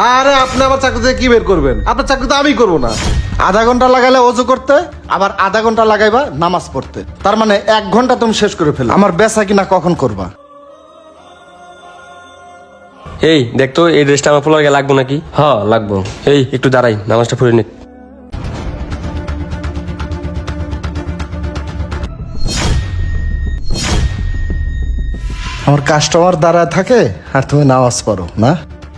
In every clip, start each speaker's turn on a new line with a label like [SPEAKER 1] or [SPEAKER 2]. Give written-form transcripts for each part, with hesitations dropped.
[SPEAKER 1] আরে আপনি আমার চাকরি থেকে কি বের করবেন? আপনার চাকরি তো আমি করবো না।
[SPEAKER 2] আধা ঘন্টা লাগাইলে অজু করতে, আবার আধা ঘন্টা লাগাইবা নামাজ পড়তে। তার মানে 1 ঘন্টা তুমি শেষ করে ফেলো। আমার বেচা কিনা কখন করবা?
[SPEAKER 3] এই দেখতো এই ড্রেসটা আমার পোলার গায়ে লাগবো নাকি? হ্যাঁ লাগবো। এই একটু দাঁড়াই, নামাজটা পড়ে নিক।
[SPEAKER 2] আমার কাস্টমার দাঁড়ায় থাকে আর তুমি নামাজ পড়ো না?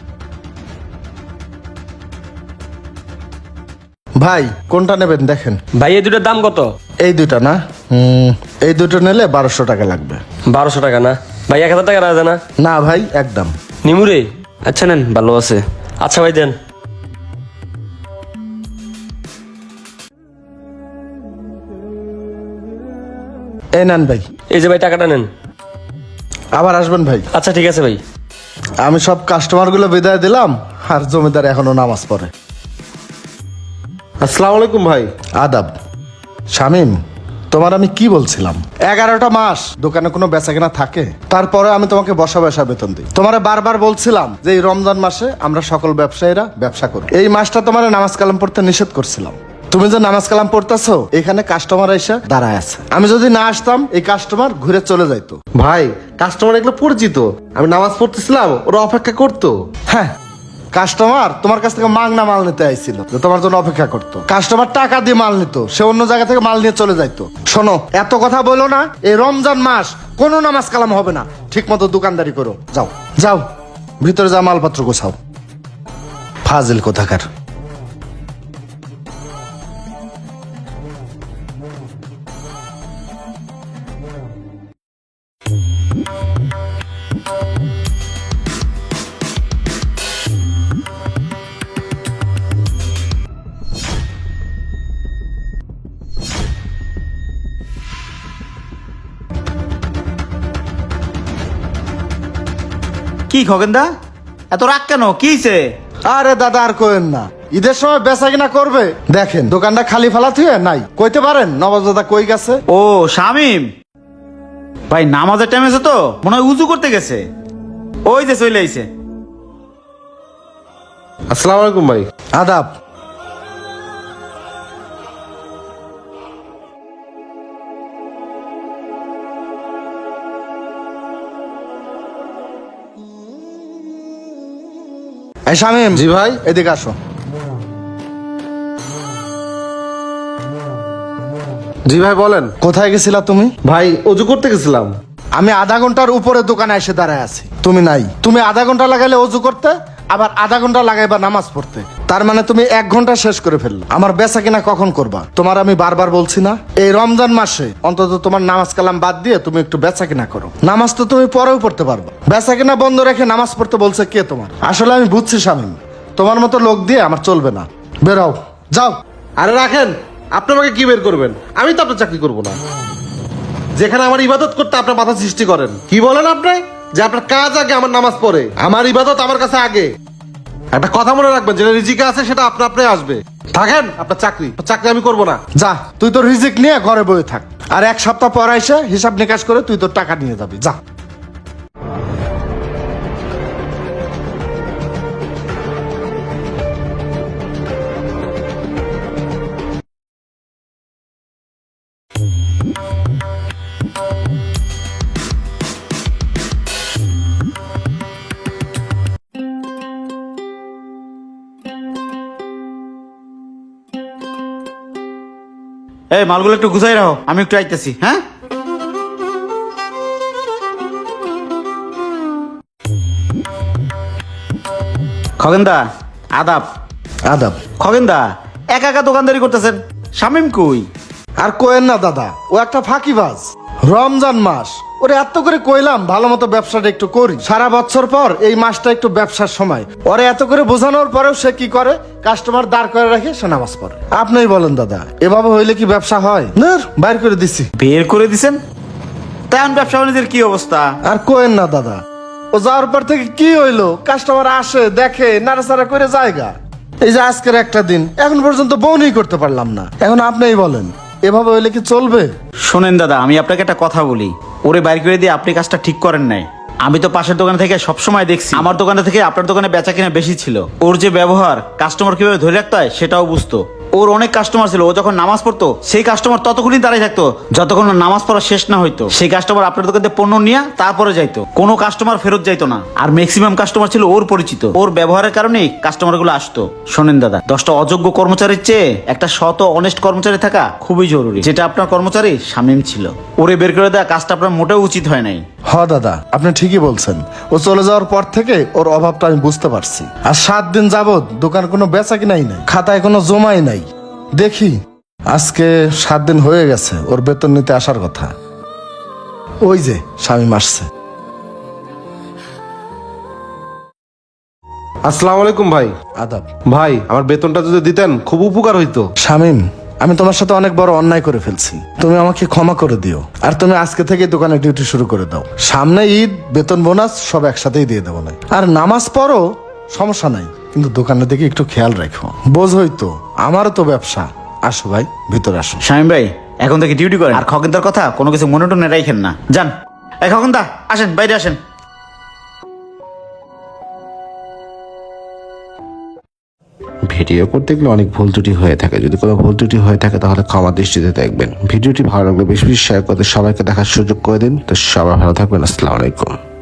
[SPEAKER 2] ভাই কোনটা নেবেন দেখেন।
[SPEAKER 3] ভাই এই দুটোর দাম কত?
[SPEAKER 2] এই দুইটা না, এই দুটো নিলে 1200 টাকা লাগবে।
[SPEAKER 3] 1200 টাকা না ভাই, 1000 টাকা রাখা যায় না?
[SPEAKER 2] না ভাই একদম।
[SPEAKER 3] নিমুরে আচ্ছা নেন, ভালো আছে। আচ্ছা ভাই দেন।
[SPEAKER 2] এই নেন ভাই।
[SPEAKER 3] এই যে ভাই টাকাটা নেন।
[SPEAKER 2] আবার আসবেন ভাই।
[SPEAKER 3] আচ্ছা ঠিক আছে ভাই।
[SPEAKER 2] আমি সব কাস্টমারগুলো বিদায় দিলাম, আর জমিদার এখনো নামাজ পড়ে।
[SPEAKER 1] আসসালামু আলাইকুম ভাই।
[SPEAKER 2] আদাব। শামিম, তোমার আমি কি বলছিলাম? 11টা মাস দোকানে কোনো বেচাকেনা থাকে, তারপরে আমি তোমাকে বসা বসা বেতন দিই। তোমারে বারবার বলছিলাম যে এই রমজান মাসে আমরা সকল ব্যবসায়ীরা ব্যবসা করি। এই মাসটা তোমার নামাজ কালাম পড়তে নিষেধ করছিলাম। তুমি যে নামাজ কালাম পড়তেছো, এখানে কাস্টমার এসে দাঁড়ায় আছে। আমি যদি না আসতাম এই কাস্টমার ঘুরে চলে যাইতো।
[SPEAKER 1] ভাই কাস্টমার এগুলো পরিচিত, আমি নামাজ পড়তেছিলাম, ওরা অপেক্ষা করতো।
[SPEAKER 2] হ্যাঁ, কাস্টমার তোমার কাছ থেকে মাংনা মাল নিতে আইছিল, যে তোমার জন্য অপেক্ষা করতো। কাস্টমার টাকা দিয়ে মাল নিত, সে অন্য জায়গা থেকে মাল নিয়ে চলে যাইতো। শোনো, এত কথা বলো না। এই রমজান মাস কোনো নামাজ কালাম হবে না। ঠিক মতো দোকানদারি করো। যাও যাও, ভিতরে যা মালপত্র গোছাও। ফাজিল কোথাকার।
[SPEAKER 4] কি খগেনদা, এত রাগ কেন? কি হইছে?
[SPEAKER 2] আরে দাদা আর কোয়েন না, ঈদের সময় বেচা কিনা করবে। দেখেন দোকানটা খালি ফালা থুয়ে নাই। কইতে পারেন নবাব দাদা কই গেছে?
[SPEAKER 4] ও শামিম ভাই, নামাজের টাইম আছে তো, মনে হয় উজু করতে গেছে। ওই যে চলে আইছে।
[SPEAKER 1] আসসালামু আলাইকুম ভাই।
[SPEAKER 2] আদাব। এই শামিম।
[SPEAKER 1] জি ভাই।
[SPEAKER 2] এদিকে আসো।
[SPEAKER 1] জি ভাই বলেন।
[SPEAKER 2] কোথায় গেছিলা তুমি?
[SPEAKER 1] ভাই অজু করতে গেছিলাম।
[SPEAKER 2] আমি আধা ঘন্টার উপরে দোকানে এসে দাঁড়ায় আছি, তুমি নাই। তুমি আধা ঘন্টা লাগাইলে অজু করতে, আবার আধা ঘন্টা লাগাইবা নামাজ পড়তে। তার মানে তুমি 1 ঘন্টা শেষ করে ফেললো। আমার বেচা কিনা কখন করবা? তোমার আমি বারবার বলছি না, এই রমজান মাসে অন্তত তোমার নামাজ কালাম বাদ দিয়ে তুমি একটু বেচা কিনা করো। নামাজ তো তুমি পরেও পড়তে পারবা, বেচা কিনা বন্ধ রেখে নামাজ পড়তে বলছে কে তোমার? আসলে আমি বুঝছি শামিম, তোমার মতো লোক দিয়ে আমার চলবে না। বেরাও, যাও।
[SPEAKER 1] আরে রাখেন, আপনি আমাকে কি বের করবেন? আমি তো আপনার চাকরি করবো না। যেখানে আমার ইবাদত করতে আপনার বাধা সৃষ্টি করেন। কি বলেন আপনি? যে আপনার কাজ আগে, আমার নামাজ পড়ে, আমার ইবাদত আমার কাছে আগে। একটা কথা মনে রাখবেন, যেটা রিজিকে আছে সেটা আপনি আসবে। থাকেন, আপনার চাকরি আমি করবো না।
[SPEAKER 2] যা, তুই তোর রিজিক নিয়ে ঘরে বসে থাক। আর 1 সপ্তাহ পর এসে হিসাব নিকাশ করে তুই তোর টাকা নিয়ে যাবি। যা।
[SPEAKER 4] এই মালগুলো একটু গুছাই রাখো, আমি একটু আইতেছি। হ্যাঁ, খগেনদা আদাব।
[SPEAKER 2] আদাব।
[SPEAKER 4] খগেনদা একা একা দোকানদারি করতেছেন, শামিম কই?
[SPEAKER 2] আর কোয়েন না দাদা, ও একটা ফাঁকিবাজ। রমজান মাস ওরে এত করে কইলাম ভালো মতো ব্যবসাটা একটু করি। সারা বছর পর এই মাসটা একটু ব্যবসার সময়। ওরে এত করে বোঝানোর পরেও সে কি করে? কাস্টমার দাঁড় করে রাখে, সে নামাজ পড়ে। আপনিই বলেন দাদা, এভাবে হইলে কি ব্যবসা হয়? না, বাইর করে দিছি।
[SPEAKER 4] বের করে দিছেন? তেমন ব্যবসা বাণিজ্যের কি অবস্থা?
[SPEAKER 2] আর কোয়েন না দাদা, ও যাওয়ার পর থেকে কি হইলো? কাস্টমার আসে, দেখে, নাড়াচাড়া করে জায়গা। এই যে আজকের একটা দিন এখন পর্যন্ত বউনি করতে পারলাম না। এখন আপনিই বলেন, এভাবে হইলে কি চলবে?
[SPEAKER 4] শোনেন দাদা, আমি আপনাকে একটা কথা বলি, ওরে বাইর করে দিয়ে আপনি কাজটা ঠিক করেন নাই। আমি তো পাশের দোকান থেকে সবসময় দেখছি আমার দোকানে থেকে আপনার দোকানে বেচা কিনা বেশি ছিল। ওর যে ব্যবহার, কাস্টমার কিভাবে ধরে রাখতে হয় সেটাও বুঝতো। ওর অনেক কাস্টমার ছিল, ও যখন নামাজ পড়তো সেই কাস্টমার ততক্ষণই দাঁড়িয়ে থাকতো যতক্ষণ না নামাজ পড়া শেষ না হইতো। সেই কাস্টমার আপনার দোকান থেকে পণ্য নিয়ে তারপরে যাইতো, কোনো কাস্টমার ফেরত যাইতো না। আর ম্যাক্সিমাম কাস্টমার ছিল ওর পরিচিত। ওর ব্যবহারের কারণেই কাস্টমার গুলো আসতো। শোনেন দাদা, 10টা অযোগ্য কর্মচারীর চেয়ে একটা সৎ ও অনেস্ট কর্মচারী থাকা খুবই জরুরি, যেটা আপনার কর্মচারী শামীম ছিল। ওরে বের করে দেওয়া কাজটা আপনার মোটেও উচিত হয় নাই।
[SPEAKER 2] হ দাদা, আপনি ঠিকই বলছেন। ও চলে যাওয়ার পর থেকে ওর অভাবটা আমি বুঝতে পারছি। আর 7 দিন যাবত দোকান কোনো বেচা কিনাই নাই, খাতায় কোনো জমাই নাই। দেখি আজকে 7 দিন হয়ে গেছে ওর বেতন নিতে আসার কথা। ওই যে স্বামী আসছে।
[SPEAKER 1] আসসালামু আলাইকুম ভাই।
[SPEAKER 2] আদাব।
[SPEAKER 1] ভাই আমার বেতনটা যদি দিতেন খুব উপকার হইতো।
[SPEAKER 2] শামীম, আমি তোমার সাথে অনেক বড় অন্যায় করে ফেলছি, তুমি আমাকে ক্ষমা করে দিও। আর তুমি আজকে থেকে দোকানে ডিউটি শুরু করে দাও। সামনে ঈদ, বেতন বোনাস সব একসাথেই দিয়ে দেবো না। আর নামাজ পড়ো, সমস্যা নাই, কিন্তু দোকানের দিকে একটু খেয়াল রাখো। বোঝই তো, আমারও তো ব্যবসা। আসো ভাই, ভিতরে আসো।
[SPEAKER 4] শামীম ভাই এখন থেকে ডিউটি করেন, আর খগেনদার কথা কোনো কিছু মনে টনে রাখেন না। যান। এই খগেনদা, আসেন বাইরে আসেন।
[SPEAKER 1] ভিডিও করতে গেলে অনেক ভুল ত্রুটি হয়ে থাকে। যদি কোনো ভুল ত্রুটি হয়ে থাকে তাহলে ক্ষমা দৃষ্টিতে দেখবেন। ভিডিওটি ভালো লাগলে বেশি বেশি শেয়ার করতে সবাইকে দেখার সুযোগ করে দিন। তো সবাই ভালো থাকবেন। আসসালামু আলাইকুম।